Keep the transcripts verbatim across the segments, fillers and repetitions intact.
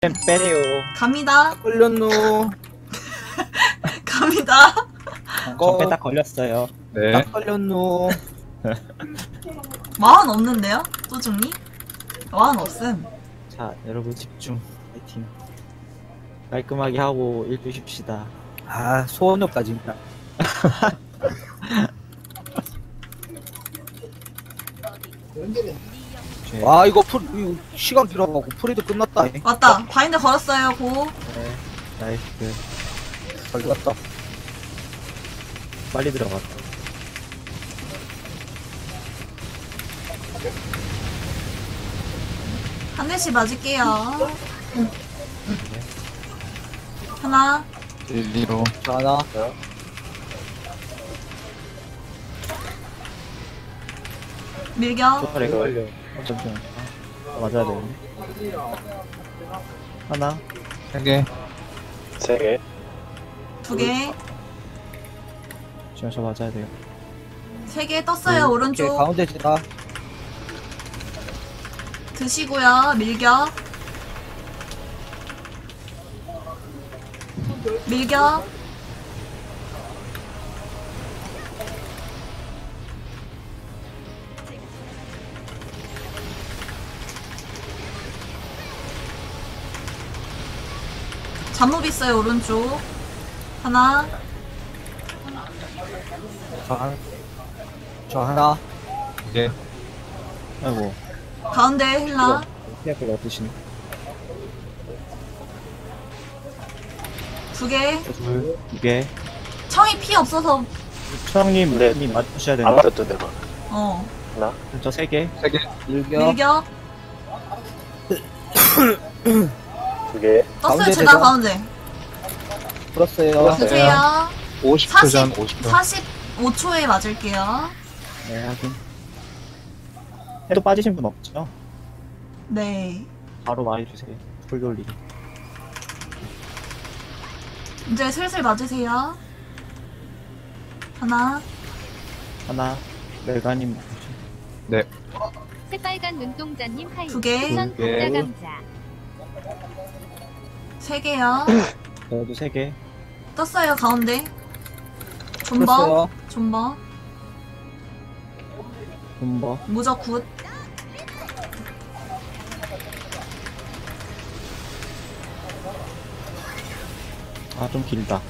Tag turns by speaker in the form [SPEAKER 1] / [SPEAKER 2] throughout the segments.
[SPEAKER 1] 템 빼래요.
[SPEAKER 2] 갑니다.
[SPEAKER 3] 걸렸노.
[SPEAKER 2] 갑니다.
[SPEAKER 1] 저 빼다 걸렸어요.
[SPEAKER 4] 네.
[SPEAKER 3] 딱 걸렸노.
[SPEAKER 2] 마흔 없는데요? 또중니? 마흔 없음.
[SPEAKER 1] 자, 여러분 집중. 파이팅. 깔끔하게 하고 일주 쉽시다.
[SPEAKER 3] 아, 소원역까지 있다.
[SPEAKER 1] 제-
[SPEAKER 3] 와, 이거 풀, 이거 시간 길어가고 프리드 끝났다.
[SPEAKER 2] 왔다. 바인드 걸었어요. 고.
[SPEAKER 1] 네. 나이스.
[SPEAKER 3] 잘 갔다.
[SPEAKER 1] 빨리 들어갔다.
[SPEAKER 2] 한 대씩 맞을게요. 하나,
[SPEAKER 4] 일, 이로.
[SPEAKER 3] 자, 하나.
[SPEAKER 2] 밀격.
[SPEAKER 1] 저 걸려. 잠시만. 아, 맞아야 되네. 하나.
[SPEAKER 4] 세 개.
[SPEAKER 5] 세 개.
[SPEAKER 2] 두 개.
[SPEAKER 1] 지금 저 맞아야 돼요.
[SPEAKER 2] 세 개 떴어요.
[SPEAKER 3] 오케이,
[SPEAKER 2] 오른쪽.
[SPEAKER 3] 가운데 지나.
[SPEAKER 2] 드시고요. 밀격. 밀격. 잠몹 있어요. 오른쪽. 하나.
[SPEAKER 3] 저 하나. 저 하나.
[SPEAKER 4] 두 개.
[SPEAKER 1] 아이고.
[SPEAKER 2] 가운데 힐라.
[SPEAKER 1] 피아크가 어떠시니?
[SPEAKER 2] 두 개.
[SPEAKER 1] 둘. 두 개.
[SPEAKER 2] 청이 피 없어서.
[SPEAKER 1] 초장님,
[SPEAKER 5] 네.
[SPEAKER 1] 님 맞추셔야
[SPEAKER 5] 안
[SPEAKER 1] 되나?
[SPEAKER 5] 맞았던 내가.
[SPEAKER 2] 어.
[SPEAKER 5] 하나.
[SPEAKER 1] 저 세 개.
[SPEAKER 4] 세 개.
[SPEAKER 3] 밀격.
[SPEAKER 2] 밀격.
[SPEAKER 5] 두 개.
[SPEAKER 2] 떴어요.
[SPEAKER 3] 가운데
[SPEAKER 2] 제가
[SPEAKER 3] 대장.
[SPEAKER 2] 가운데.
[SPEAKER 3] 풀었어요.
[SPEAKER 2] 드세요.
[SPEAKER 4] 오십 초 전,
[SPEAKER 2] 사십,
[SPEAKER 4] 오십 초.
[SPEAKER 2] 사십오 초에 맞을게요.
[SPEAKER 1] 네, 확인. 해도 빠지신 분 없죠?
[SPEAKER 2] 네.
[SPEAKER 1] 바로 말해주세요. 풀 돌리기.
[SPEAKER 2] 이제 슬슬 맞으세요. 하나.
[SPEAKER 1] 하나. 멜가님.
[SPEAKER 4] 네.
[SPEAKER 6] 새빨간 눈동자님 하이.
[SPEAKER 2] 두 개.
[SPEAKER 6] 우선
[SPEAKER 4] 두 개.
[SPEAKER 6] 감자 감자.
[SPEAKER 2] 세 개요.
[SPEAKER 1] 저도 세 개.
[SPEAKER 2] 떴어요. 가운데. 존버.
[SPEAKER 3] 풀었어요.
[SPEAKER 2] 존버.
[SPEAKER 1] 분버.
[SPEAKER 2] 무적 굿.
[SPEAKER 1] 아, 좀 길다.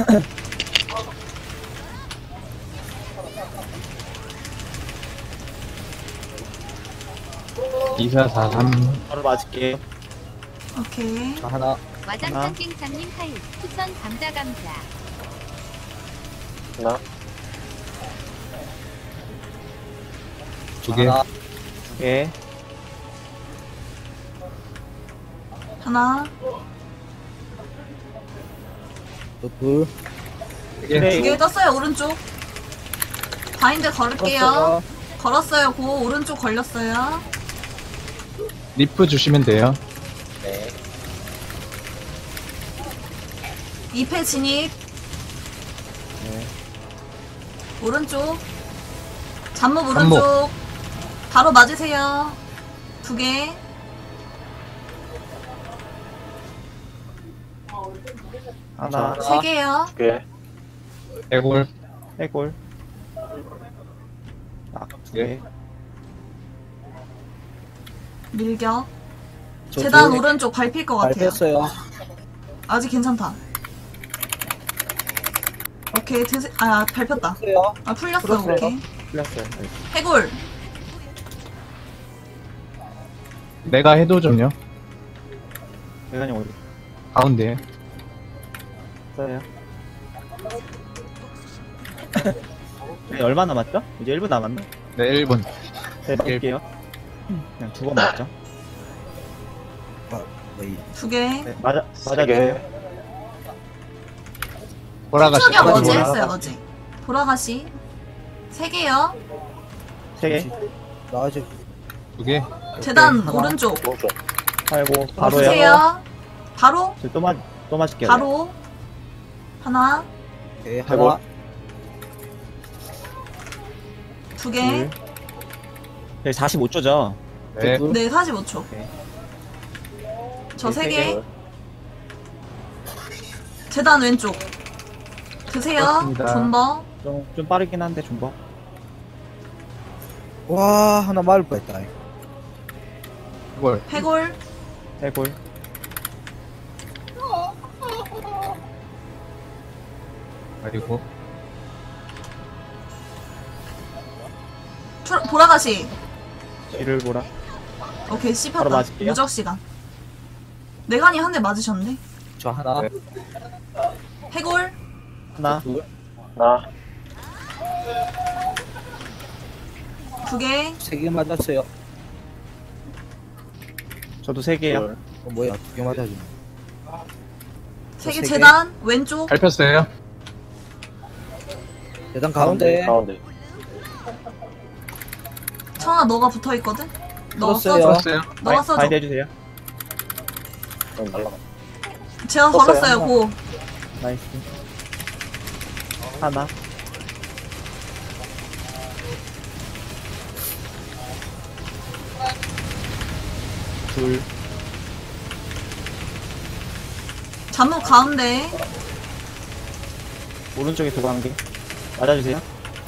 [SPEAKER 4] 이사, 사, 삼.
[SPEAKER 1] 바로 맞을게요.
[SPEAKER 2] 오케이.
[SPEAKER 3] 저 하나.
[SPEAKER 6] 와장창 깽창님 하이. 우선 감자 감자.
[SPEAKER 5] 하나.
[SPEAKER 4] 두 개.
[SPEAKER 3] 하나.
[SPEAKER 1] 두 개.
[SPEAKER 2] 하나.
[SPEAKER 3] 또 둘.
[SPEAKER 4] 세 개.
[SPEAKER 1] 네.
[SPEAKER 2] 두 개 떴어요. 오른쪽. 바인드 걸을게요.
[SPEAKER 3] 풀었어요.
[SPEAKER 2] 걸었어요. 고. 오른쪽 걸렸어요.
[SPEAKER 4] 리프 주시면 돼요.
[SPEAKER 3] 네.
[SPEAKER 2] 이 패 진입.
[SPEAKER 1] 네.
[SPEAKER 2] 오른쪽. 잠몹
[SPEAKER 4] 잠몹.
[SPEAKER 2] 오른쪽. 바로 맞으세요. 두 개.
[SPEAKER 1] 하나.
[SPEAKER 2] 세 개요.
[SPEAKER 5] 두 개.
[SPEAKER 4] 해골.
[SPEAKER 1] 해골. 아, 두 개.
[SPEAKER 2] 밀격.
[SPEAKER 3] 저
[SPEAKER 2] 재단
[SPEAKER 3] 둘.
[SPEAKER 2] 오른쪽 밟힐 것 같아요.
[SPEAKER 3] 밟혔어요.
[SPEAKER 2] 아직 괜찮다. 오케이. 드세... 아, 밟혔다.
[SPEAKER 3] 풀었어요.
[SPEAKER 2] 아, 풀렸어.
[SPEAKER 3] 풀었어요.
[SPEAKER 2] 오케이.
[SPEAKER 1] 풀렸어요. 네.
[SPEAKER 2] 해골.
[SPEAKER 4] 내가 해도 좀요.
[SPEAKER 1] 멜가님 어디
[SPEAKER 4] 가운데.
[SPEAKER 1] 있어요? 네, 얼마 남았죠? 이제 일 분 남았나?
[SPEAKER 4] 네, 일 분.
[SPEAKER 1] 네, 맞을게요. 그냥 두 번 맞죠?
[SPEAKER 3] 네.
[SPEAKER 2] 두 개.
[SPEAKER 1] 네, 맞아,
[SPEAKER 5] 세
[SPEAKER 1] 맞아주세요.
[SPEAKER 5] 개.
[SPEAKER 4] 돌아가시.
[SPEAKER 2] 추격 어제
[SPEAKER 4] 돌아가-
[SPEAKER 2] 했어요. 어제. 돌아가시. 세 개요.
[SPEAKER 1] 세 개.
[SPEAKER 3] 나 아직
[SPEAKER 4] 두 개.
[SPEAKER 2] 재단
[SPEAKER 3] 하나.
[SPEAKER 2] 오른쪽.
[SPEAKER 5] 오른쪽.
[SPEAKER 1] 아이고, 바로요.
[SPEAKER 2] 주세요. 바로.
[SPEAKER 1] 저 또 맞, 또 맞을게요.
[SPEAKER 2] 바로. 하나.
[SPEAKER 3] 네,
[SPEAKER 1] 해골.
[SPEAKER 3] 하나.
[SPEAKER 2] 두 개.
[SPEAKER 1] 둘. 네, 사십오 초죠?
[SPEAKER 4] 네.
[SPEAKER 3] 둘.
[SPEAKER 2] 네, 사십오 초.
[SPEAKER 1] 오케이.
[SPEAKER 2] 저 세
[SPEAKER 1] 세
[SPEAKER 2] 개.
[SPEAKER 5] 개.
[SPEAKER 2] 재단 왼쪽. 드세요.
[SPEAKER 4] 그렇습니다.
[SPEAKER 2] 존버.
[SPEAKER 1] 좀, 좀 빠르긴 한데, 존버.
[SPEAKER 3] 와, 하나 맞을 뻔했다.
[SPEAKER 4] 이걸
[SPEAKER 2] 해골.
[SPEAKER 1] 해골.
[SPEAKER 4] 그리고
[SPEAKER 2] 투, 보라가시.
[SPEAKER 1] 뒤를 보라.
[SPEAKER 2] 오케이,
[SPEAKER 1] 바로
[SPEAKER 2] 씹혔다.
[SPEAKER 1] 맞을게요.
[SPEAKER 2] 무적 시간. 내간이 한 대 맞으셨네.
[SPEAKER 3] 저 하나,
[SPEAKER 4] 네.
[SPEAKER 2] 해골.
[SPEAKER 1] 하나,
[SPEAKER 5] 나,
[SPEAKER 2] 두 개.
[SPEAKER 3] 세 개 맞았어요.
[SPEAKER 1] 저도 세 개요.
[SPEAKER 5] 둘,
[SPEAKER 3] 어, 뭐야, 두 개 맞아주네.
[SPEAKER 2] 세 개
[SPEAKER 3] 세 개.
[SPEAKER 2] 재단 왼쪽.
[SPEAKER 4] 밟혔어요.
[SPEAKER 3] 재단 가운데.
[SPEAKER 5] 가운데.
[SPEAKER 2] 청아 너가 붙어 있거든. 너가
[SPEAKER 3] 풀었어요.
[SPEAKER 2] 써줘.
[SPEAKER 4] 풀었어요.
[SPEAKER 2] 너가 써줘.
[SPEAKER 1] 바인드 해주세요.
[SPEAKER 5] 그럼 날라가.
[SPEAKER 2] 제가
[SPEAKER 5] 썼어요.
[SPEAKER 2] 걸었어요. 고.
[SPEAKER 1] 나이스. 하나. 둘.
[SPEAKER 2] 잠옷 가운데.
[SPEAKER 1] 오른쪽에 두고 한 개. 맞아주세요.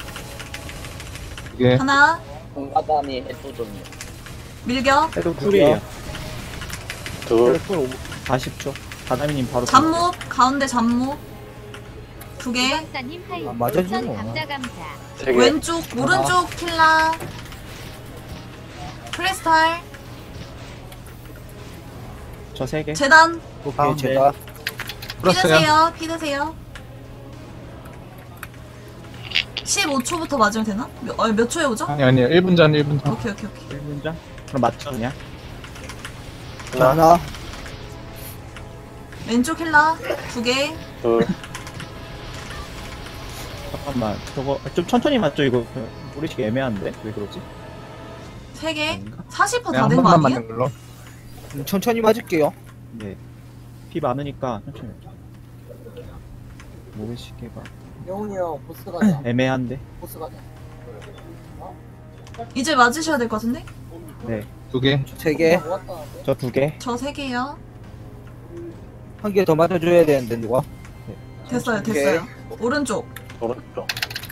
[SPEAKER 4] 이게
[SPEAKER 2] 하나.
[SPEAKER 7] 공가담이 해도전이요.
[SPEAKER 2] 밀격.
[SPEAKER 1] 해도 쿨이에요.
[SPEAKER 5] 둘,
[SPEAKER 1] 해도 쿨 사십 초. 바다미님 바로.
[SPEAKER 2] 잠옷 가운데 잠옷. 두 개.
[SPEAKER 6] 유광사님 하이.
[SPEAKER 3] 아, 맞아주네.
[SPEAKER 6] 추천 감자 감자.
[SPEAKER 5] 세 개.
[SPEAKER 2] 왼쪽 오른쪽 킬라. 크리스탈.
[SPEAKER 1] 저 세 개.
[SPEAKER 2] 재단.
[SPEAKER 3] 오케이,
[SPEAKER 1] 가운데.
[SPEAKER 3] 제가.
[SPEAKER 4] 풀었어요.
[SPEAKER 2] 피드세요. 피드세요. 십오 초부터 맞으면 되나? 몇, 어, 몇 초에 오죠?
[SPEAKER 4] 아니 아니요. 일 분 전, 일 분 전.
[SPEAKER 2] 오케이 오케이 오케이.
[SPEAKER 1] 일 분 전? 그럼 맞죠, 그냥?
[SPEAKER 3] 저 하나,
[SPEAKER 2] 왼쪽 힐라 두 개.
[SPEAKER 5] 둘,
[SPEAKER 1] 잠깐만. 저거, 좀 천천히 맞죠, 이거? 모르시기 애매한데? 왜 그러지?
[SPEAKER 2] 세 개.
[SPEAKER 1] 아닌가?
[SPEAKER 2] 사십 퍼센트
[SPEAKER 4] 그냥 한
[SPEAKER 2] 다 된 거
[SPEAKER 4] 번만
[SPEAKER 2] 아니에요?
[SPEAKER 4] 맞는 걸로.
[SPEAKER 3] 음, 천천히 맞을게요.
[SPEAKER 1] 네. 피 많으니까 천천히. 모르시게가
[SPEAKER 7] 영훈이 형 보스 가자.
[SPEAKER 1] 애매한데?
[SPEAKER 7] 보스 가자.
[SPEAKER 2] 이제 맞으셔야 될 것 같은데?
[SPEAKER 1] 네.
[SPEAKER 4] 두 개.
[SPEAKER 3] 세 개.
[SPEAKER 7] 모았다는데?
[SPEAKER 1] 저 두 개.
[SPEAKER 2] 저 세 개요.
[SPEAKER 3] 한 개 더 맞아줘야 되는데, 누가?
[SPEAKER 2] 됐어요 됐어요. 오른쪽.
[SPEAKER 5] 오른쪽.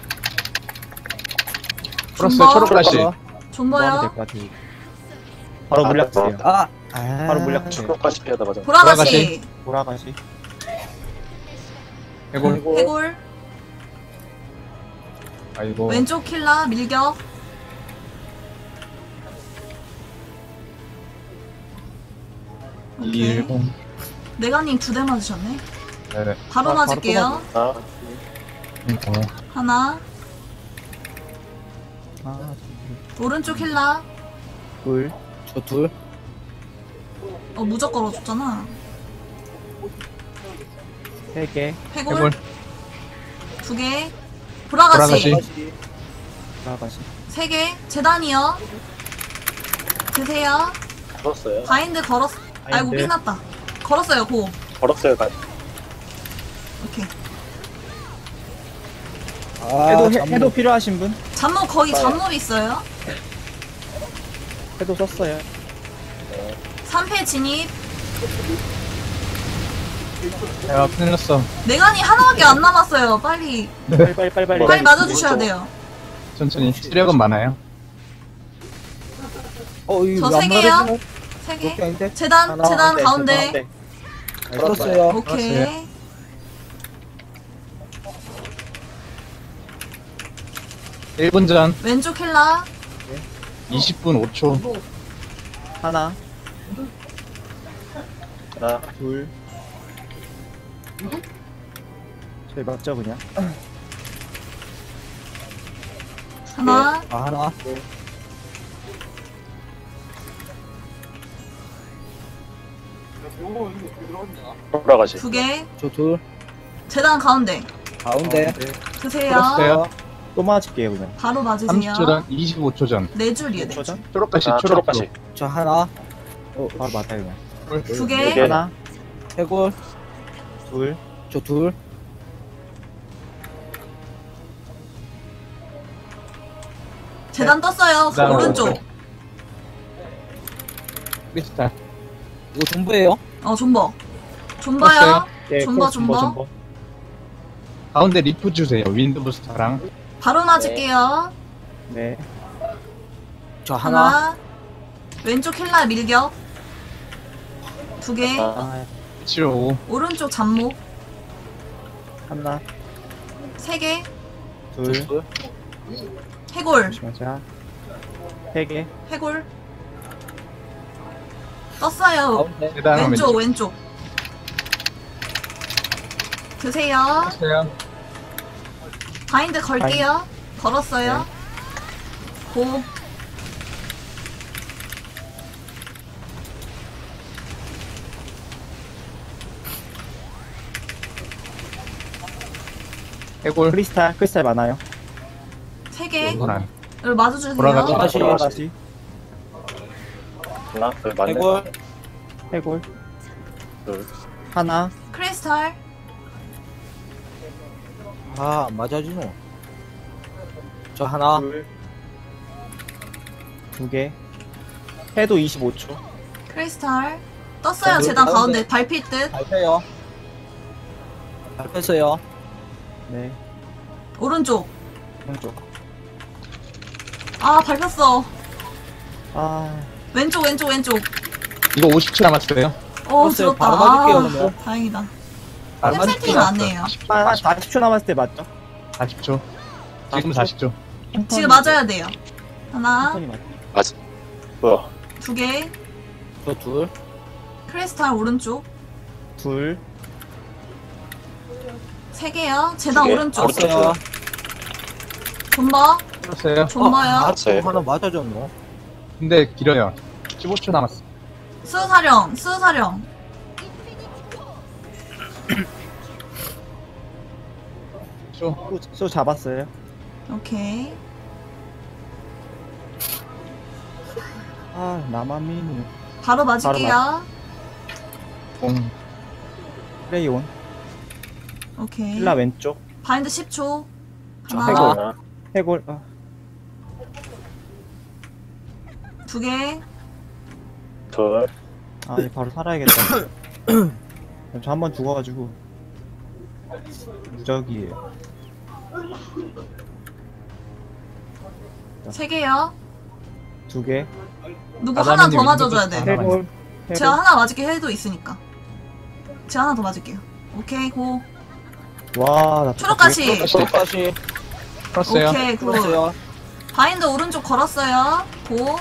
[SPEAKER 4] 풀었어요.
[SPEAKER 2] 존버.
[SPEAKER 4] 초록가시.
[SPEAKER 1] 뭐 하면
[SPEAKER 2] 존버요.
[SPEAKER 1] 될 것 같아요. 바로 물약 주세요.
[SPEAKER 3] 아, 아.
[SPEAKER 1] 바로 물약 주세요.
[SPEAKER 5] 초록까지 피하다 맞아.
[SPEAKER 2] 보라가시.
[SPEAKER 1] 돌아가시.
[SPEAKER 4] 해골.
[SPEAKER 2] 해골.
[SPEAKER 4] 아이고.
[SPEAKER 2] 왼쪽 킬라 밀격. 오케이.
[SPEAKER 4] 이일공.
[SPEAKER 2] 내가님 두 대 맞으셨네.
[SPEAKER 4] 네네.
[SPEAKER 2] 바로
[SPEAKER 1] 아, 바로
[SPEAKER 2] 맞을게요.
[SPEAKER 5] 하나,
[SPEAKER 4] 어.
[SPEAKER 2] 하나.
[SPEAKER 1] 하나,
[SPEAKER 2] 오른쪽 힐라.
[SPEAKER 1] 둘,
[SPEAKER 3] 저 둘.
[SPEAKER 2] 어 무적 걸어줬잖아.
[SPEAKER 1] 세 개.
[SPEAKER 2] 해골.
[SPEAKER 4] 해골.
[SPEAKER 2] 두 개. 보라가시.
[SPEAKER 4] 보라가시.
[SPEAKER 1] 돌아가시.
[SPEAKER 2] 세 개. 재단이요. 드세요.
[SPEAKER 5] 풀었어요.
[SPEAKER 2] 바인드 걸었. 아이고
[SPEAKER 1] 바인드.
[SPEAKER 2] 끝났다. 걸었어요 고.
[SPEAKER 5] 걸었어요, 가.
[SPEAKER 2] 오케이.
[SPEAKER 3] 아,
[SPEAKER 1] 해도, 해,
[SPEAKER 3] 잠깐만.
[SPEAKER 1] 해도 필요하신 분?
[SPEAKER 2] 잠몹 거의 잠몹 있어요.
[SPEAKER 1] 해도 썼어요.
[SPEAKER 2] 삼 패 진입.
[SPEAKER 4] 야, 큰일 났어.
[SPEAKER 2] 내간이 하나밖에 안 남았어요. 빨리
[SPEAKER 1] 빨리, 빨리, 빨리, 빨리.
[SPEAKER 2] 빨리 맞아주셔야 돼요.
[SPEAKER 4] 천천히. 시력은 많아요.
[SPEAKER 3] 어, 이거
[SPEAKER 2] 저
[SPEAKER 3] 안
[SPEAKER 2] 세 개요?
[SPEAKER 3] 맞아주네?
[SPEAKER 2] 세
[SPEAKER 3] 그렇게
[SPEAKER 2] 개.
[SPEAKER 3] 아닌데?
[SPEAKER 2] 재단
[SPEAKER 3] 하나,
[SPEAKER 2] 재단
[SPEAKER 1] 네,
[SPEAKER 2] 가운데.
[SPEAKER 1] 가운데.
[SPEAKER 3] 풀었어요.
[SPEAKER 2] 오케이.
[SPEAKER 4] 일 분 전,
[SPEAKER 2] 왼쪽 힐라.
[SPEAKER 4] 이십 분 오 초.
[SPEAKER 1] 하나,
[SPEAKER 5] 하나,
[SPEAKER 1] 둘. 저희 맞죠, 그냥?
[SPEAKER 2] 하나.
[SPEAKER 3] 아, 하나.
[SPEAKER 5] 돌아가시.
[SPEAKER 2] 두 개.
[SPEAKER 3] 저 둘.
[SPEAKER 2] 재단 가운데.
[SPEAKER 3] 가운데.
[SPEAKER 2] 드세요.
[SPEAKER 4] 풀었어요.
[SPEAKER 1] 또 맞을게요, 그냥.
[SPEAKER 2] 바로 맞으세요.
[SPEAKER 4] 삼십 초 전, 이십오 초 전.
[SPEAKER 2] 네 줄이에요. 네 줄.
[SPEAKER 1] 초전?
[SPEAKER 4] 초록가시,
[SPEAKER 5] 아,
[SPEAKER 4] 초록가시.
[SPEAKER 5] 초록가시.
[SPEAKER 3] 저 하나.
[SPEAKER 1] 어, 바로 맞아요, 그냥.
[SPEAKER 2] 두
[SPEAKER 5] 네
[SPEAKER 2] 개.
[SPEAKER 5] 개.
[SPEAKER 1] 하나,
[SPEAKER 3] 해골.
[SPEAKER 1] 둘,
[SPEAKER 3] 저 둘.
[SPEAKER 2] 재단 떴어요.
[SPEAKER 4] 그다음
[SPEAKER 2] 오른쪽.
[SPEAKER 4] 크리스탈.
[SPEAKER 3] 이거 전부예요?
[SPEAKER 2] 어 존버. 존버요.
[SPEAKER 4] 떴어요.
[SPEAKER 1] 예,
[SPEAKER 2] 존버,
[SPEAKER 1] 크로스 존버,
[SPEAKER 2] 존버.
[SPEAKER 1] 존버.
[SPEAKER 4] 가운데 리프 주세요. 윈드 부스터랑.
[SPEAKER 2] 바로 맞을게요.
[SPEAKER 1] 네.
[SPEAKER 3] 저 하나.
[SPEAKER 2] 하나. 왼쪽 힐라 밀격. 두 개.
[SPEAKER 5] 아,
[SPEAKER 1] 아,
[SPEAKER 4] 칠오오.
[SPEAKER 2] 오른쪽 잡목.
[SPEAKER 1] 하나,
[SPEAKER 2] 세 개.
[SPEAKER 1] 둘,
[SPEAKER 3] 둘.
[SPEAKER 2] 해골.
[SPEAKER 1] 잠시만. 세 개.
[SPEAKER 2] 해골. 떴어요.
[SPEAKER 3] 가운데.
[SPEAKER 4] 계단
[SPEAKER 2] 왼쪽,
[SPEAKER 4] 왼쪽.
[SPEAKER 2] 왼쪽. 드세요.
[SPEAKER 4] 했어요.
[SPEAKER 2] 바인드 걸게요. 걸었어요. 고.
[SPEAKER 4] 해골.
[SPEAKER 1] 크리스탈, 크리스탈 많아요.
[SPEAKER 2] 세 개.
[SPEAKER 4] 이건 안.
[SPEAKER 2] 여기 맞아주세요.
[SPEAKER 4] 돌아가죠.
[SPEAKER 3] 다시.
[SPEAKER 1] 다시.
[SPEAKER 5] 하나, 둘, 맞네.
[SPEAKER 3] 해골.
[SPEAKER 1] 해골.
[SPEAKER 5] 둘.
[SPEAKER 1] 하나,
[SPEAKER 2] 크리스탈.
[SPEAKER 3] 아, 안 맞아주노. 저 하나.
[SPEAKER 1] 둘, 두 개. 해도 이십오 초.
[SPEAKER 2] 크리스탈. 떴어요.
[SPEAKER 3] 자,
[SPEAKER 2] 재단
[SPEAKER 3] 가운데.
[SPEAKER 2] 가운데. 발필 듯.
[SPEAKER 3] 밟혀요. 밟혔어요.
[SPEAKER 1] 네.
[SPEAKER 2] 오른쪽.
[SPEAKER 1] 왼쪽.
[SPEAKER 2] 아, 밟혔어.
[SPEAKER 1] 아,
[SPEAKER 2] 왼쪽, 왼쪽, 왼쪽.
[SPEAKER 4] 이거 오십 초 남았어요.
[SPEAKER 2] 어,
[SPEAKER 3] 떴어요.
[SPEAKER 2] 들었다.
[SPEAKER 3] 바로 맞을게요,
[SPEAKER 2] 아,
[SPEAKER 3] 그러면.
[SPEAKER 2] 다행이다.
[SPEAKER 4] 아,
[SPEAKER 2] 템살팅은 안 해요.
[SPEAKER 1] 한, 한 사십 초 남았을 때 맞죠?
[SPEAKER 4] 사십 초. 지금 사십 초.
[SPEAKER 2] 지금 맞아야 돼요. 하나,
[SPEAKER 1] 천천히 맞죠.
[SPEAKER 5] 맞, 뭐야.
[SPEAKER 2] 두 개.
[SPEAKER 3] 저 둘.
[SPEAKER 2] 크리스탈 오른쪽.
[SPEAKER 1] 둘,
[SPEAKER 2] 세 개요. 재단
[SPEAKER 5] 두 개.
[SPEAKER 2] 오른쪽.
[SPEAKER 5] 오른쪽.
[SPEAKER 3] 떴어요.
[SPEAKER 2] 존버.
[SPEAKER 4] 풀었어요.
[SPEAKER 2] 존버요.
[SPEAKER 3] 아,
[SPEAKER 5] 맞아요.
[SPEAKER 3] 또 하나 맞아줬노.
[SPEAKER 4] 근데 길어요. 십오 초 남았어.
[SPEAKER 2] 수사령, 수사령.
[SPEAKER 4] 초.
[SPEAKER 1] 수, 수 잡았어요.
[SPEAKER 2] 오케이.
[SPEAKER 1] 아, 나만 미니.
[SPEAKER 2] 바로 맞을게요.
[SPEAKER 4] 공.
[SPEAKER 1] 플레이온.
[SPEAKER 2] 오케이.
[SPEAKER 1] 힐라 왼쪽.
[SPEAKER 2] 바인드 십 초.
[SPEAKER 3] 저
[SPEAKER 2] 하나,
[SPEAKER 3] 해골.
[SPEAKER 5] 하나,
[SPEAKER 1] 해골. 아,
[SPEAKER 2] 두 개.
[SPEAKER 5] 둘.
[SPEAKER 1] 아, 이제 바로 살아야겠다. 저 한 번 죽어가지고. 무적이에요.
[SPEAKER 2] 세 개요.
[SPEAKER 1] 두 개.
[SPEAKER 2] 누구
[SPEAKER 4] 아담이님
[SPEAKER 2] 하나 더
[SPEAKER 4] 윈도우
[SPEAKER 2] 맞아줘야 돼.
[SPEAKER 4] 하나
[SPEAKER 1] 해골.
[SPEAKER 2] 제가
[SPEAKER 1] 해골.
[SPEAKER 2] 하나 맞을게 해도 있으니까. 제가 하나 더 맞을게요. 오케이, 고.
[SPEAKER 1] 와, 나
[SPEAKER 2] 초록가시.
[SPEAKER 3] 다시.
[SPEAKER 4] 풀었어요.
[SPEAKER 2] 오케이, 굿.
[SPEAKER 3] 풀었어요.
[SPEAKER 2] 바인드 오른쪽 걸었어요. 고.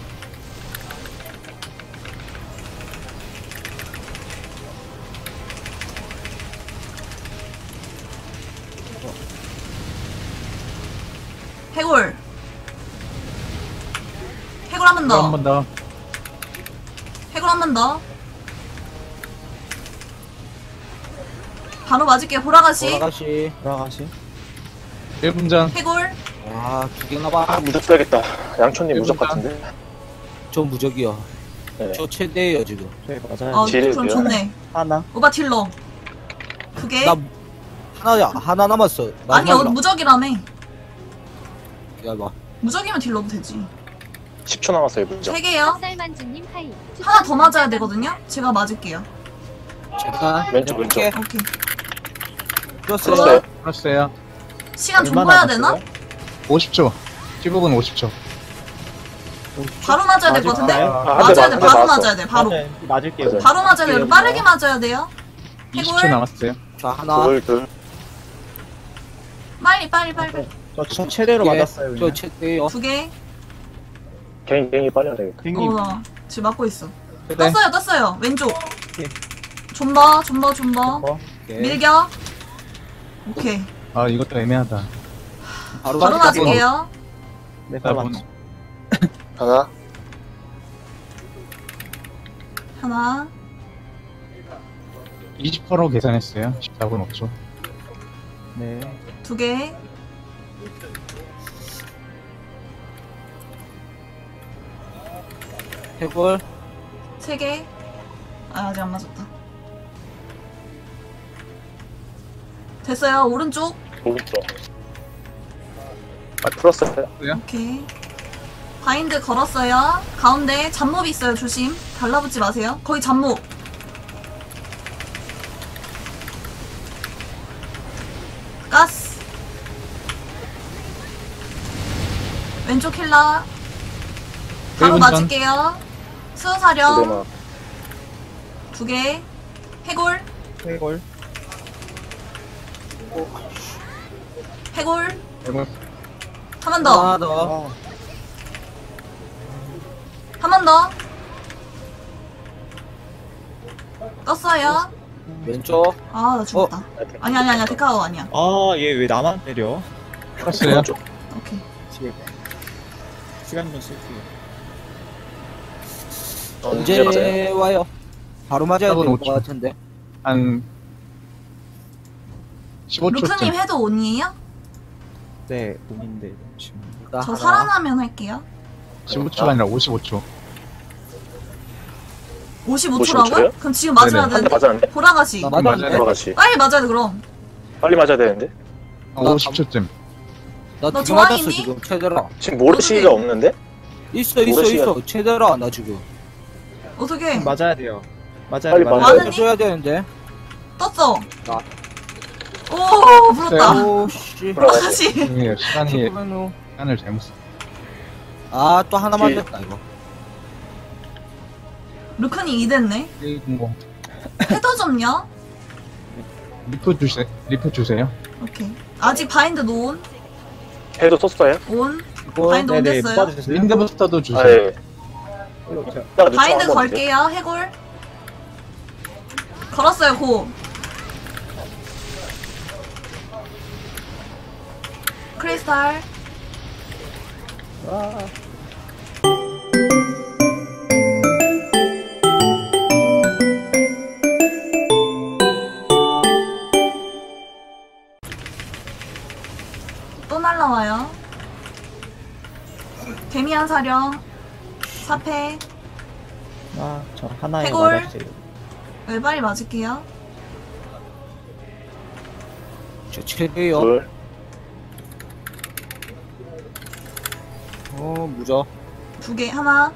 [SPEAKER 2] 해골. 해골 한 번 더.
[SPEAKER 4] 한 번 더.
[SPEAKER 2] 해골 한 번 더. 바로 맞을게요. 보라가시.
[SPEAKER 3] 돌아가시.
[SPEAKER 1] 돌아가시.
[SPEAKER 4] 일 분 전.
[SPEAKER 2] 해골.
[SPEAKER 3] 와, 두 개나 봐.
[SPEAKER 5] 아, 무적 써야겠다. 양촌님 무적
[SPEAKER 4] 일분
[SPEAKER 5] 같은데?
[SPEAKER 3] 저 무적이요.
[SPEAKER 5] 네.
[SPEAKER 3] 저 최대예요, 지금.
[SPEAKER 1] 저희 맞아요.
[SPEAKER 2] 어,
[SPEAKER 5] 딜이요?
[SPEAKER 2] 그럼 좋네.
[SPEAKER 1] 하나.
[SPEAKER 2] 오바 딜러. 그게
[SPEAKER 3] 나 하나, 하나 남았어.
[SPEAKER 2] 아니 어,
[SPEAKER 3] 마지막이라.
[SPEAKER 2] 무적이라며.
[SPEAKER 3] 기다려봐.
[SPEAKER 2] 무적이면 딜러도 되지.
[SPEAKER 5] 십 초 남았어요, 무적.
[SPEAKER 2] 세 개요.
[SPEAKER 6] 쌀만주님 하이.
[SPEAKER 2] 하나 더 맞아야 되거든요. 제가 맞을게요.
[SPEAKER 3] 잠깐.
[SPEAKER 5] 왼쪽, 왼쪽.
[SPEAKER 3] 이렇게
[SPEAKER 2] 오케이.
[SPEAKER 3] 풀었어요.
[SPEAKER 5] 풀었어요.
[SPEAKER 4] 풀었어요.
[SPEAKER 2] 시간 좀
[SPEAKER 1] 얼마나
[SPEAKER 2] 봐야 되나?
[SPEAKER 1] 남았어요?
[SPEAKER 4] 오십 초. 십오 분 오십 초.
[SPEAKER 2] 바로 맞아야 될 것 같은데?
[SPEAKER 1] 맞을까요?
[SPEAKER 5] 아, 한 대
[SPEAKER 2] 맞아야 돼.
[SPEAKER 5] 맞- 한 대
[SPEAKER 2] 바로
[SPEAKER 5] 맞았어.
[SPEAKER 2] 맞아야 돼. 바로.
[SPEAKER 1] 맞아요. 맞을게요.
[SPEAKER 5] 맞아요.
[SPEAKER 2] 바로 맞아야 돼요. 빠르게 맞아야 돼요.
[SPEAKER 4] 이십 초
[SPEAKER 2] 해골.
[SPEAKER 4] 남았어요.
[SPEAKER 3] 자, 하나.
[SPEAKER 5] 둘, 둘.
[SPEAKER 2] 빨리 빨리 빨리.
[SPEAKER 1] 저, 저 최대로
[SPEAKER 3] 예,
[SPEAKER 1] 맞았어요.
[SPEAKER 3] 저
[SPEAKER 1] 그냥.
[SPEAKER 3] 최대요.
[SPEAKER 2] 두 개.
[SPEAKER 5] 개인, 개인이 빨려야 되겠다.
[SPEAKER 1] 팽님.
[SPEAKER 2] 어, 나 지금 맞고 있어.
[SPEAKER 4] 최대.
[SPEAKER 2] 떴어요, 떴어요. 왼쪽.
[SPEAKER 1] 오케이.
[SPEAKER 2] 존버, 존버, 존버.
[SPEAKER 1] 어,
[SPEAKER 3] 오케이.
[SPEAKER 2] 밀격. 오케이.
[SPEAKER 4] 아, 이것도 애매하다.
[SPEAKER 3] 바로,
[SPEAKER 2] 바로
[SPEAKER 3] 맞을게요.
[SPEAKER 2] 맞을게요.
[SPEAKER 1] 네, 바로
[SPEAKER 4] 나
[SPEAKER 1] 맞죠.
[SPEAKER 5] 하나,
[SPEAKER 2] 하나.
[SPEAKER 4] 이십 퍼센트로 계산했어요. 십사 분 오 초.
[SPEAKER 1] 네.
[SPEAKER 2] 두 개.
[SPEAKER 3] 해골.
[SPEAKER 2] 세 개. 아, 아직 안 맞았다. 됐어요. 오른쪽.
[SPEAKER 5] 오른쪽. 아, 풀었어요.
[SPEAKER 2] 오케이. 바인드 걸었어요. 가운데 잡몹 있어요. 조심. 달라붙지 마세요. 거기 잡몹. 왼쪽 힐라. 바로
[SPEAKER 4] 일 분 전.
[SPEAKER 2] 맞을게요.
[SPEAKER 5] 두
[SPEAKER 2] 수사령
[SPEAKER 5] 대만.
[SPEAKER 2] 두 개. 해골.
[SPEAKER 3] 해골.
[SPEAKER 2] 해골.
[SPEAKER 4] 이거
[SPEAKER 2] 한 번 더.
[SPEAKER 3] 하나 더.
[SPEAKER 2] 한 번 더. 떴어요.
[SPEAKER 3] 왼쪽.
[SPEAKER 2] 아, 나 죽었다. 아니, 아니, 아니야. 데카오 아니야.
[SPEAKER 1] 아, 얘 왜 나만 때려?
[SPEAKER 4] 풀었어요.
[SPEAKER 2] 오케이.
[SPEAKER 1] 집에 시간 좀 쓸게요.
[SPEAKER 5] 언제 맞아요?
[SPEAKER 3] 언제 와요? 바로 맞아야
[SPEAKER 4] 하고
[SPEAKER 3] 될
[SPEAKER 4] 오죠.
[SPEAKER 3] 것 같은데.
[SPEAKER 4] 한 십오 초쯤.
[SPEAKER 2] 루크님 해도 온이에요?
[SPEAKER 1] 네, 몸인데 지금.
[SPEAKER 3] 나
[SPEAKER 2] 저
[SPEAKER 3] 하나.
[SPEAKER 2] 살아나면 할게요.
[SPEAKER 4] 십오 초가 아니라 오십오 초.
[SPEAKER 2] 오십오
[SPEAKER 5] 오십오
[SPEAKER 2] 초라고요?
[SPEAKER 5] 초요?
[SPEAKER 2] 그럼 지금 맞아야
[SPEAKER 4] 네네.
[SPEAKER 5] 한 대
[SPEAKER 2] 되는데?
[SPEAKER 5] 맞았는데?
[SPEAKER 2] 보라가시.
[SPEAKER 3] 나
[SPEAKER 4] 맞아요.
[SPEAKER 3] 맞았는데.
[SPEAKER 5] 돌아가시.
[SPEAKER 2] 빨리 맞아야 돼, 그럼.
[SPEAKER 5] 빨리 맞아야 되는데?
[SPEAKER 4] 한 오십 초쯤.
[SPEAKER 3] 나
[SPEAKER 2] 너
[SPEAKER 3] 두 개 맞았어
[SPEAKER 2] 좋아했니?
[SPEAKER 3] 지금 최대라.
[SPEAKER 5] 지금 모르시가
[SPEAKER 2] 어떡해.
[SPEAKER 5] 없는데?
[SPEAKER 3] 있어 있어
[SPEAKER 5] 모르시가-
[SPEAKER 3] 있어 최대라 나 지금.
[SPEAKER 2] 어떻게?
[SPEAKER 1] 맞아야 돼요. 맞아야
[SPEAKER 5] 빨리
[SPEAKER 1] 돼. 맞아야
[SPEAKER 5] 맞아야
[SPEAKER 1] 돼.
[SPEAKER 2] 많으니?
[SPEAKER 3] 줘야 되는데.
[SPEAKER 2] 떴어.
[SPEAKER 3] 나.
[SPEAKER 2] 오, 불었다.
[SPEAKER 3] 오 씨.
[SPEAKER 2] 보라가시.
[SPEAKER 4] 이게 시간이
[SPEAKER 3] 잠깐만요.
[SPEAKER 4] 시간을 잘못 써.
[SPEAKER 3] 아또 하나
[SPEAKER 5] 뒤에.
[SPEAKER 3] 맞았다 이거.
[SPEAKER 2] 루크님 이 됐네.
[SPEAKER 4] 뭐
[SPEAKER 2] 헤더 좀요?
[SPEAKER 4] 리프 주세 리프 주세요.
[SPEAKER 2] 오케이. 아직 바인드 노온.
[SPEAKER 5] 해도 썼어요?
[SPEAKER 2] 온.
[SPEAKER 3] 이거
[SPEAKER 2] 바인드 온
[SPEAKER 1] 네네,
[SPEAKER 2] 됐어요.
[SPEAKER 1] 뽑아주세요.
[SPEAKER 4] 윈드 부스터도 주세요.
[SPEAKER 5] 아, 예.
[SPEAKER 1] 일로 오세요.
[SPEAKER 5] 이따가 늦춰
[SPEAKER 2] 바인드
[SPEAKER 5] 한번
[SPEAKER 2] 걸게요. 해골. 걸었어요, 고. 크리스탈. 또 날라와요. 개미한 사령. 사패.
[SPEAKER 1] 아, 저 하나에
[SPEAKER 2] 해골.
[SPEAKER 1] 맞았어요.
[SPEAKER 2] 외발이 맞을게요.
[SPEAKER 3] 저 최대요.
[SPEAKER 5] 둘.
[SPEAKER 3] 어 무적.
[SPEAKER 2] 두 개, 하나.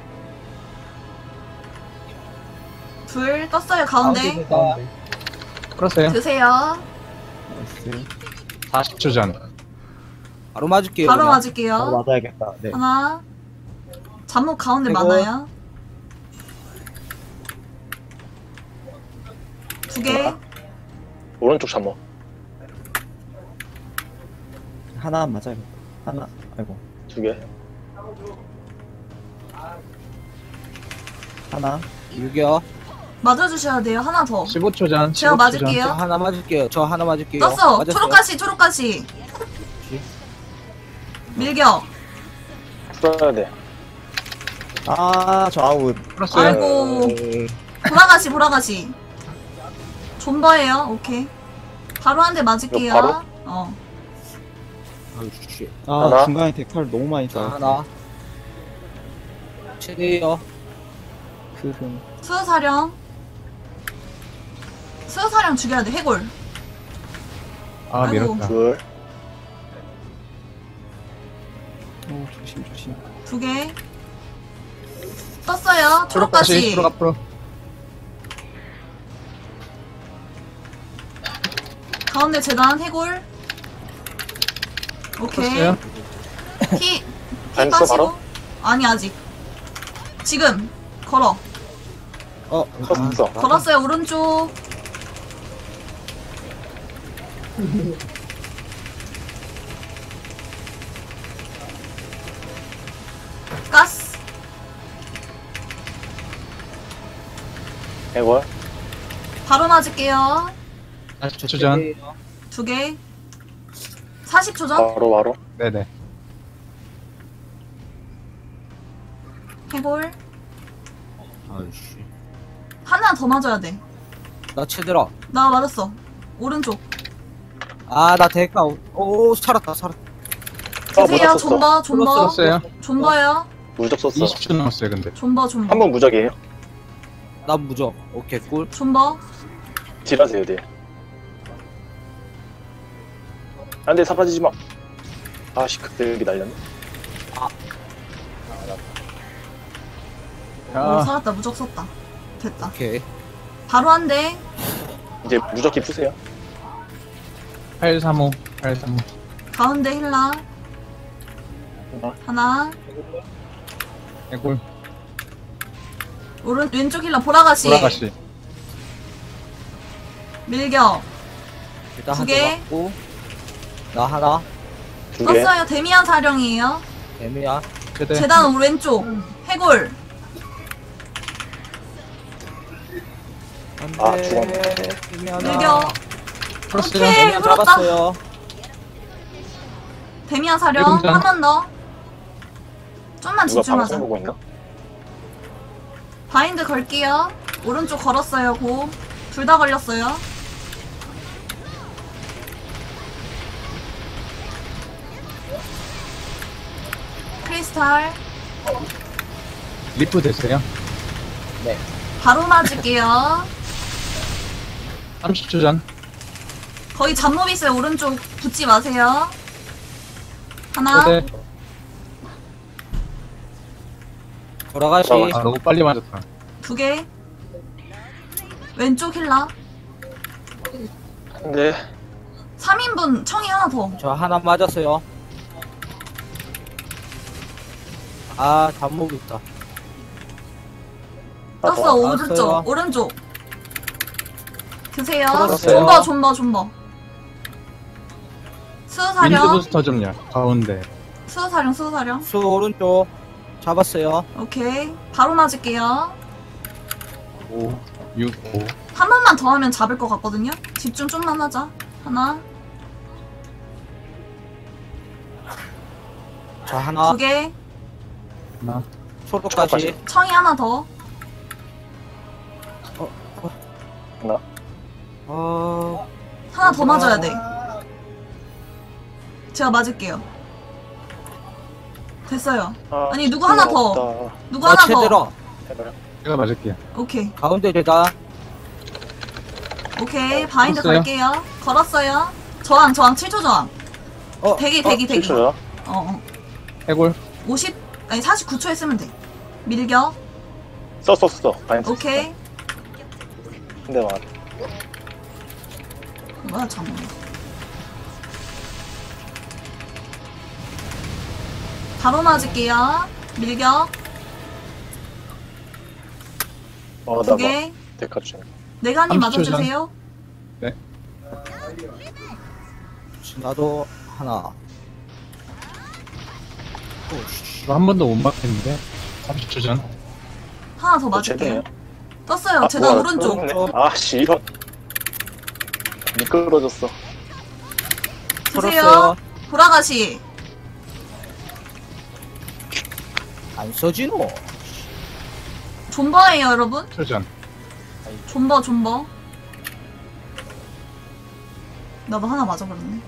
[SPEAKER 2] 둘, 떴어요, 가운데.
[SPEAKER 3] 가운데.
[SPEAKER 4] 풀었어요.
[SPEAKER 2] 드세요.
[SPEAKER 1] 나이스.
[SPEAKER 4] 사십 초 전.
[SPEAKER 3] 바로 맞을게요.
[SPEAKER 2] 바로
[SPEAKER 3] 그냥.
[SPEAKER 1] 바로
[SPEAKER 2] 맞을게요.
[SPEAKER 1] 맞아야겠다. 네.
[SPEAKER 2] 하나. 잠목 가운데
[SPEAKER 3] 아이고.
[SPEAKER 2] 많아요. 두 개.
[SPEAKER 5] 오른쪽 잠목.
[SPEAKER 1] 하나 맞아야겠다. 하나. 아이고.
[SPEAKER 5] 두 개.
[SPEAKER 1] 하나.
[SPEAKER 3] 유겨.
[SPEAKER 2] 맞아주셔야 돼요. 하나 더.
[SPEAKER 4] 십오 초 전.
[SPEAKER 2] 제가
[SPEAKER 4] 십오 초 전.
[SPEAKER 2] 맞을게요.
[SPEAKER 3] 저 하나 맞을게요. 저 하나 맞을게요.
[SPEAKER 2] 떴어.
[SPEAKER 3] 맞았어요.
[SPEAKER 2] 초록가시, 초록가시. 밀격.
[SPEAKER 5] 써야 돼.
[SPEAKER 1] 아, 저 아웃.
[SPEAKER 4] 풀었어요.
[SPEAKER 2] 아이고.
[SPEAKER 3] 네.
[SPEAKER 2] 보라가시, 보라가시. 존버예요. 오케이. 바로 한 대 맞을게요.
[SPEAKER 5] 이거 바로?
[SPEAKER 2] 어.
[SPEAKER 3] 아유 씨.
[SPEAKER 1] 아,
[SPEAKER 5] 하나.
[SPEAKER 1] 중간에 데칼 너무 많이
[SPEAKER 3] 자
[SPEAKER 1] 쌓였어.
[SPEAKER 3] 하나. 최대요.
[SPEAKER 1] 흐름.
[SPEAKER 2] 수사령. 수사령 죽여야 돼. 해골.
[SPEAKER 4] 아
[SPEAKER 2] 아이고.
[SPEAKER 4] 밀었다.
[SPEAKER 5] 둘.
[SPEAKER 1] 오, 조심, 조심.
[SPEAKER 2] 두 개. 떴어요.
[SPEAKER 4] 초록가시.
[SPEAKER 2] 초록가시.
[SPEAKER 4] 초록 앞으로.
[SPEAKER 2] 가운데 재단 해골. 오케이.
[SPEAKER 4] 풀었어요.
[SPEAKER 2] 피, 피
[SPEAKER 5] 안 써,
[SPEAKER 2] 빠지고.
[SPEAKER 5] 바로?
[SPEAKER 2] 아니 아직. 지금 걸어.
[SPEAKER 3] 어.
[SPEAKER 5] 컸어.
[SPEAKER 2] 걸었어요. 오른쪽. 가스.
[SPEAKER 5] 해골.
[SPEAKER 2] 바로 맞을게요.
[SPEAKER 4] 사십 초 전.
[SPEAKER 3] 최대요.
[SPEAKER 2] 두 개. 사십 초 전.
[SPEAKER 5] 바로 바로.
[SPEAKER 4] 네네.
[SPEAKER 2] 해골.
[SPEAKER 3] 아이씨.
[SPEAKER 2] 하나 더 맞아야 돼.
[SPEAKER 3] 나 최대라.
[SPEAKER 2] 나 맞았어. 오른쪽.
[SPEAKER 3] 아나 대가. 오 살았다 살았다.
[SPEAKER 5] 아,
[SPEAKER 2] 드세요.
[SPEAKER 5] 무적 썼어.
[SPEAKER 2] 존버, 존버.
[SPEAKER 4] 풀었어요.
[SPEAKER 2] 존버요.
[SPEAKER 5] 무적 썼어.
[SPEAKER 4] 이십 초 남았어요 근데.
[SPEAKER 2] 존버, 존버.
[SPEAKER 5] 한 번 무적이에요.
[SPEAKER 3] 나 무적. 오케이 꿀.
[SPEAKER 2] 존버.
[SPEAKER 5] 딜하세요, 딜. 안 돼, 사라지지 마. 아씨, 그때 여기 날렸네.
[SPEAKER 2] 오,
[SPEAKER 4] 아
[SPEAKER 2] 살았다. 무적 썼다. 됐다.
[SPEAKER 3] 오케이.
[SPEAKER 2] 바로 한 대.
[SPEAKER 5] 이제 무적기 푸세요.
[SPEAKER 4] 팔삼오. 팔삼오.
[SPEAKER 2] 가운데 힐라. 하나.
[SPEAKER 4] 해골.
[SPEAKER 2] 오른 왼쪽 힐러 보라가시.
[SPEAKER 4] 돌아가시.
[SPEAKER 2] 밀격.
[SPEAKER 3] 일단
[SPEAKER 2] 두
[SPEAKER 3] 한 대
[SPEAKER 2] 개.
[SPEAKER 3] 맞고. 나 하나.
[SPEAKER 5] 두 개.
[SPEAKER 2] 떴어요. 데미안 사령이에요.
[SPEAKER 3] 애매야.
[SPEAKER 4] 최대.
[SPEAKER 2] 재단 오른쪽. 해골.
[SPEAKER 3] 안 돼.
[SPEAKER 5] 아, 죽었네.
[SPEAKER 3] 애매하다.
[SPEAKER 2] 밀격.
[SPEAKER 4] 플러스.
[SPEAKER 2] 오케이.
[SPEAKER 3] 애매한
[SPEAKER 2] 풀었다.
[SPEAKER 3] 잡았어요.
[SPEAKER 2] 데미안 사령.
[SPEAKER 4] 일분전.
[SPEAKER 2] 한 번 더. 좀만
[SPEAKER 5] 누가
[SPEAKER 2] 집중하자.
[SPEAKER 5] 방송 보고 있나?
[SPEAKER 2] 바인드 걸게요. 오른쪽 걸었어요. 고. 둘 다 걸렸어요. 크리스탈.
[SPEAKER 4] 리프 됐어요.
[SPEAKER 2] 바로 맞을게요.
[SPEAKER 4] 삼십 초 전.
[SPEAKER 2] 거의 잡몹 있어요. 오른쪽 붙지 마세요. 하나.
[SPEAKER 4] 최대.
[SPEAKER 3] 돌아가시.
[SPEAKER 5] 돌아가시.
[SPEAKER 4] 아, 너무 빨리 맞았다.
[SPEAKER 2] 두 개. 왼쪽 힐라.
[SPEAKER 5] 네.
[SPEAKER 2] 삼 인분 청이 하나 더.
[SPEAKER 3] 저 하나 맞았어요. 아, 잡목 있다.
[SPEAKER 5] 아,
[SPEAKER 2] 떴어.
[SPEAKER 5] 더.
[SPEAKER 2] 오른쪽.
[SPEAKER 3] 알았어요.
[SPEAKER 2] 오른쪽. 드세요.
[SPEAKER 3] 들었어요.
[SPEAKER 2] 존버 존버 존버.
[SPEAKER 4] 윈드
[SPEAKER 2] 수사령.
[SPEAKER 4] 부스터 좀요. 가운데.
[SPEAKER 2] 수사령 수사령.
[SPEAKER 3] 수 오른쪽 잡았어요.
[SPEAKER 2] 오케이. 바로 맞을게요.
[SPEAKER 4] 오, 육, 오.
[SPEAKER 2] 한 번만 더 하면 잡을 것 같거든요. 집중 좀만 하자. 하나.
[SPEAKER 3] 자, 하나.
[SPEAKER 2] 두 개.
[SPEAKER 4] 하나.
[SPEAKER 3] 초록까지.
[SPEAKER 2] 청이 하나 더.
[SPEAKER 5] 하나.
[SPEAKER 3] 어,
[SPEAKER 2] 하나 더 맞아야 돼. 제가 맞을게요. 됐어요.
[SPEAKER 5] 아,
[SPEAKER 2] 아니, 누구 하나 더.
[SPEAKER 5] 없다.
[SPEAKER 2] 누구
[SPEAKER 3] 나
[SPEAKER 2] 하나
[SPEAKER 3] 최대로.
[SPEAKER 2] 더.
[SPEAKER 5] 해봐요.
[SPEAKER 4] 제가 맞을게요.
[SPEAKER 2] 오케이.
[SPEAKER 3] 가운데 대다.
[SPEAKER 2] 오케이. 바인드
[SPEAKER 4] 걸었어요?
[SPEAKER 2] 걸게요. 걸었어요. 저항, 저항. 칠 초 저항.
[SPEAKER 3] 어,
[SPEAKER 2] 대기, 대기, 대기.
[SPEAKER 5] 칠 초요?
[SPEAKER 2] 어, 어.
[SPEAKER 4] 해골.
[SPEAKER 2] 오십, 아니, 사십구 초에 쓰면 돼. 밀격.
[SPEAKER 5] 썼어, 썼어. 바인드
[SPEAKER 2] 오케이.
[SPEAKER 5] 근데 막
[SPEAKER 2] 뭐야, 잠깐만. 바로 맞을게요. 밀격.
[SPEAKER 5] 어,
[SPEAKER 2] 두
[SPEAKER 5] 나
[SPEAKER 2] 개.
[SPEAKER 5] 뭐, 데카 중.
[SPEAKER 2] 내간님
[SPEAKER 4] 삼십 초 전.
[SPEAKER 2] 맞아주세요.
[SPEAKER 3] 나도 하나. 오씨.
[SPEAKER 4] 이거 한 번도 못 맞겠는데. 삼십 초 전.
[SPEAKER 2] 하나 더
[SPEAKER 5] 어,
[SPEAKER 2] 맞을게요.
[SPEAKER 5] 제대요?
[SPEAKER 2] 떴어요. 재단
[SPEAKER 5] 뭐야,
[SPEAKER 2] 오른쪽.
[SPEAKER 5] 끊었네. 아, 씨, 이런. 미끄러졌어.
[SPEAKER 2] 드세요.
[SPEAKER 3] 풀었어요.
[SPEAKER 2] 돌아가시.
[SPEAKER 3] 안 써지노.
[SPEAKER 2] 존버예요, 여러분.
[SPEAKER 4] 초 전.
[SPEAKER 2] 존버, 존버. 나도 하나 맞아버렸네.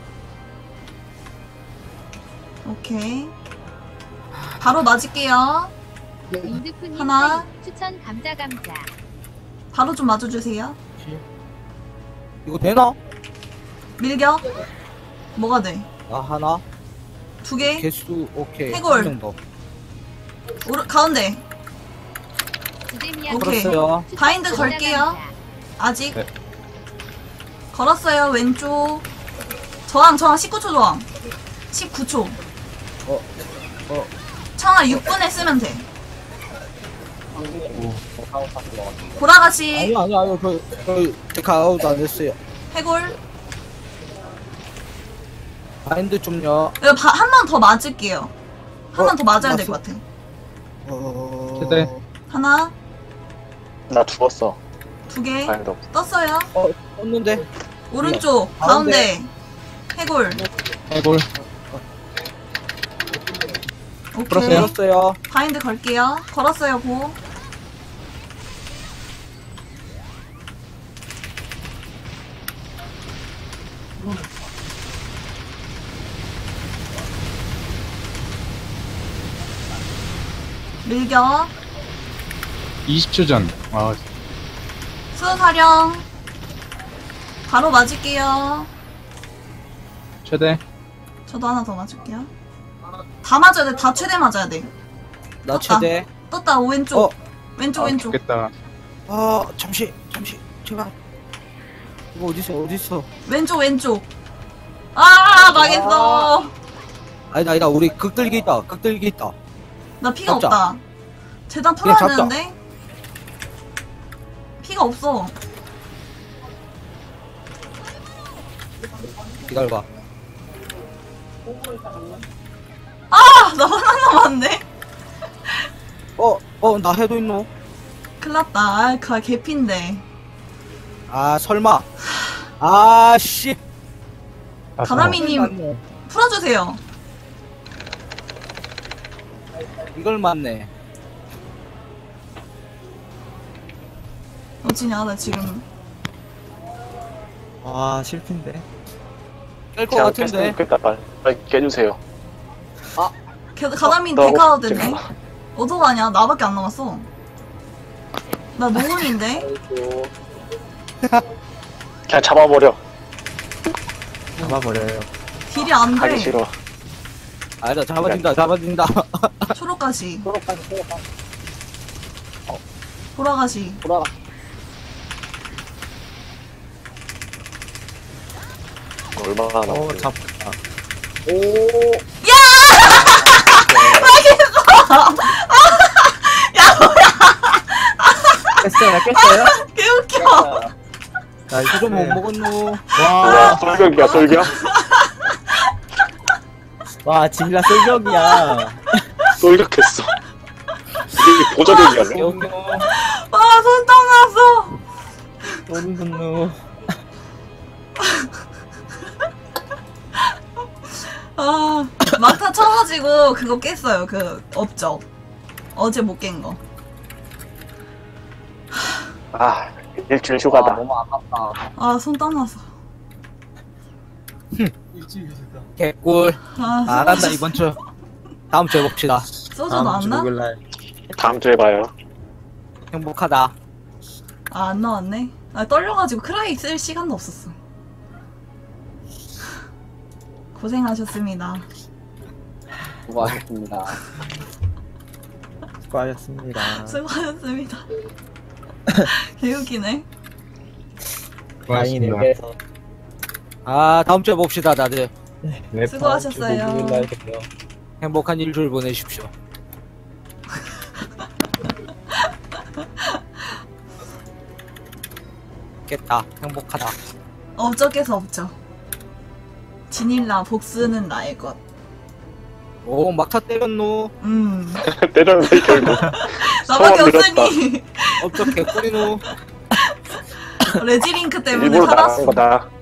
[SPEAKER 2] 오케이. 바로 맞을게요.
[SPEAKER 6] 윈드푸님
[SPEAKER 2] 하나.
[SPEAKER 6] 하이. 추천 감자 감자.
[SPEAKER 2] 바로 좀 맞아주세요.
[SPEAKER 3] 이거 되나?
[SPEAKER 2] 밀격. 뭐가 돼?
[SPEAKER 3] 나 하나.
[SPEAKER 2] 두 개.
[SPEAKER 3] 개수 오케이.
[SPEAKER 2] 해골.
[SPEAKER 3] 한 명 더.
[SPEAKER 2] 오른, 가운데.
[SPEAKER 6] 주데미안
[SPEAKER 2] 오케이.
[SPEAKER 3] 걸었어요.
[SPEAKER 6] 추천
[SPEAKER 2] 바인드
[SPEAKER 6] 감자
[SPEAKER 2] 걸게요.
[SPEAKER 6] 감자.
[SPEAKER 2] 아직.
[SPEAKER 4] 네.
[SPEAKER 2] 걸었어요, 왼쪽. 저항, 저항, 십구 초 저항. 십구 초.
[SPEAKER 3] 어, 어.
[SPEAKER 2] 청아 육 분에 쓰면 돼. 보라가시.
[SPEAKER 3] 아니 아니 아니 저 저 데카 아웃 안 했어요.
[SPEAKER 2] 해골.
[SPEAKER 3] 바인드 좀요.
[SPEAKER 2] 한 번 더 맞을게요. 한 번
[SPEAKER 3] 어,
[SPEAKER 2] 더 맞아야 될
[SPEAKER 3] 맞어.
[SPEAKER 2] 것 같아.
[SPEAKER 3] 어.
[SPEAKER 4] 최대.
[SPEAKER 2] 하나,
[SPEAKER 5] 나 죽었어.
[SPEAKER 2] 두 개.
[SPEAKER 5] 바인드 없어.
[SPEAKER 2] 떴어요.
[SPEAKER 3] 어, 떴는데.
[SPEAKER 2] 오른쪽,
[SPEAKER 3] 가운데.
[SPEAKER 2] 가운데. 해골.
[SPEAKER 4] 해골.
[SPEAKER 2] 오케이.
[SPEAKER 4] 풀었어요?
[SPEAKER 3] 걸었어요.
[SPEAKER 2] 바인드 걸게요. 걸었어요, 고. 밀격.
[SPEAKER 4] 이십 초 전. 아,
[SPEAKER 2] 수사령. 바로 맞을게요.
[SPEAKER 4] 최대.
[SPEAKER 2] 저도 하나 더 맞을게요. 다 맞아야 돼. 다 최대 맞아야 돼.
[SPEAKER 3] 나
[SPEAKER 2] 떴다.
[SPEAKER 3] 최대.
[SPEAKER 2] 떴다. 왼쪽.
[SPEAKER 3] 어.
[SPEAKER 2] 왼쪽,
[SPEAKER 4] 아,
[SPEAKER 2] 왼쪽.
[SPEAKER 4] 죽겠다.
[SPEAKER 3] 아 잠시 잠시 제발. 이거 어디 있어 어디 있어?
[SPEAKER 2] 왼쪽, 왼쪽. 아, 망했어.
[SPEAKER 3] 아니다 아니다 우리 극들기 있다 극들기 있다.
[SPEAKER 2] 나 피가
[SPEAKER 3] 잡자.
[SPEAKER 2] 없다. 재단
[SPEAKER 3] 그냥
[SPEAKER 2] 풀어야
[SPEAKER 3] 잡자.
[SPEAKER 2] 되는데? 피가 없어.
[SPEAKER 3] 기다려봐.
[SPEAKER 2] 아, 나 하나 남았네.
[SPEAKER 3] 어어 나 해도 있노?
[SPEAKER 2] 큰일 났다. 아, 그 개피인데.
[SPEAKER 3] 아 설마. 아씨.
[SPEAKER 2] 가나미님 풀어주세요.
[SPEAKER 3] 이걸 맞네.
[SPEAKER 2] 어찌냐, 나 지금.
[SPEAKER 1] 와 실패인데.
[SPEAKER 3] 깰 것
[SPEAKER 5] 제가
[SPEAKER 3] 같은데.
[SPEAKER 5] 깼으니까 빨리, 빨리 깨주세요.
[SPEAKER 2] 게- 가나미
[SPEAKER 5] 나
[SPEAKER 2] 데카도
[SPEAKER 5] 혹-
[SPEAKER 2] 됐네. 어떡하냐, 나밖에 안 남았어. 나 노은인데?
[SPEAKER 7] 아이고.
[SPEAKER 5] 그냥 잡아버려.
[SPEAKER 1] 잡아버려요.
[SPEAKER 2] 딜이 안
[SPEAKER 5] 하기
[SPEAKER 2] 돼.
[SPEAKER 5] 싫어.
[SPEAKER 3] 아니다 잡아진다 잡아진다.
[SPEAKER 2] 초록가시,
[SPEAKER 7] 초록까지 초록까지
[SPEAKER 2] 보라가시.
[SPEAKER 7] 돌아가.
[SPEAKER 5] 얼마나
[SPEAKER 1] 어
[SPEAKER 5] 남았어요?
[SPEAKER 1] 잡았다.
[SPEAKER 7] 오.
[SPEAKER 1] 깼어요 깼어요?
[SPEAKER 2] 개웃겨.
[SPEAKER 3] 나 이거 좀 못 먹었노.
[SPEAKER 5] 야, 돌격이야, 돌격.
[SPEAKER 1] 와 진라 쏠격이야.
[SPEAKER 5] 돌격했어. 이게 보조격이야.
[SPEAKER 3] 영영.
[SPEAKER 2] 와, 손땀 났어.
[SPEAKER 1] 소름 돋노.
[SPEAKER 2] 아, 막타 쳐가지고 그거 깼어요. 그 업적. 어제 못 깬 거.
[SPEAKER 5] 아, 일주일
[SPEAKER 7] 아,
[SPEAKER 5] 휴가다.
[SPEAKER 7] 너무 아깝다.
[SPEAKER 2] 아, 손땀 났어.
[SPEAKER 3] 개꿀.
[SPEAKER 2] 아,
[SPEAKER 3] 안 한다
[SPEAKER 2] 소주-
[SPEAKER 3] 이번 주. 다음 주에 봅시다.
[SPEAKER 2] 소주
[SPEAKER 1] 다음 주
[SPEAKER 2] 나왔나?
[SPEAKER 1] 목요일날.
[SPEAKER 5] 다음 주에 봐요.
[SPEAKER 3] 행복하다.
[SPEAKER 2] 아, 안 나왔네. 아, 떨려가지고 크라이 쓸 시간도 없었어. 고생하셨습니다.
[SPEAKER 7] 수고하셨습니다.
[SPEAKER 1] 수고하셨습니다.
[SPEAKER 2] 수고하셨습니다. 개웃기네.
[SPEAKER 1] 다행이네요.
[SPEAKER 4] 고맙습니다.
[SPEAKER 3] 아 다음 주에 봅시다 다들.
[SPEAKER 1] 네,
[SPEAKER 2] 수고하셨어요.
[SPEAKER 1] 다음 주 목요일날 봬요.
[SPEAKER 3] 행복한 일주일 보내십시오. 깼다. 행복하다.
[SPEAKER 2] 업적에서 업적. 진일라 복수는 나의 것.
[SPEAKER 3] 오 막타 때렸노.
[SPEAKER 2] 음.
[SPEAKER 5] 때렸는데 결국.
[SPEAKER 2] 나밖에
[SPEAKER 5] 소원 빌었다.
[SPEAKER 2] 없으니
[SPEAKER 3] 업적 개꿀이노.
[SPEAKER 2] 레지링크 때문에
[SPEAKER 5] 일부러 나간
[SPEAKER 2] 살았어.
[SPEAKER 5] 거다.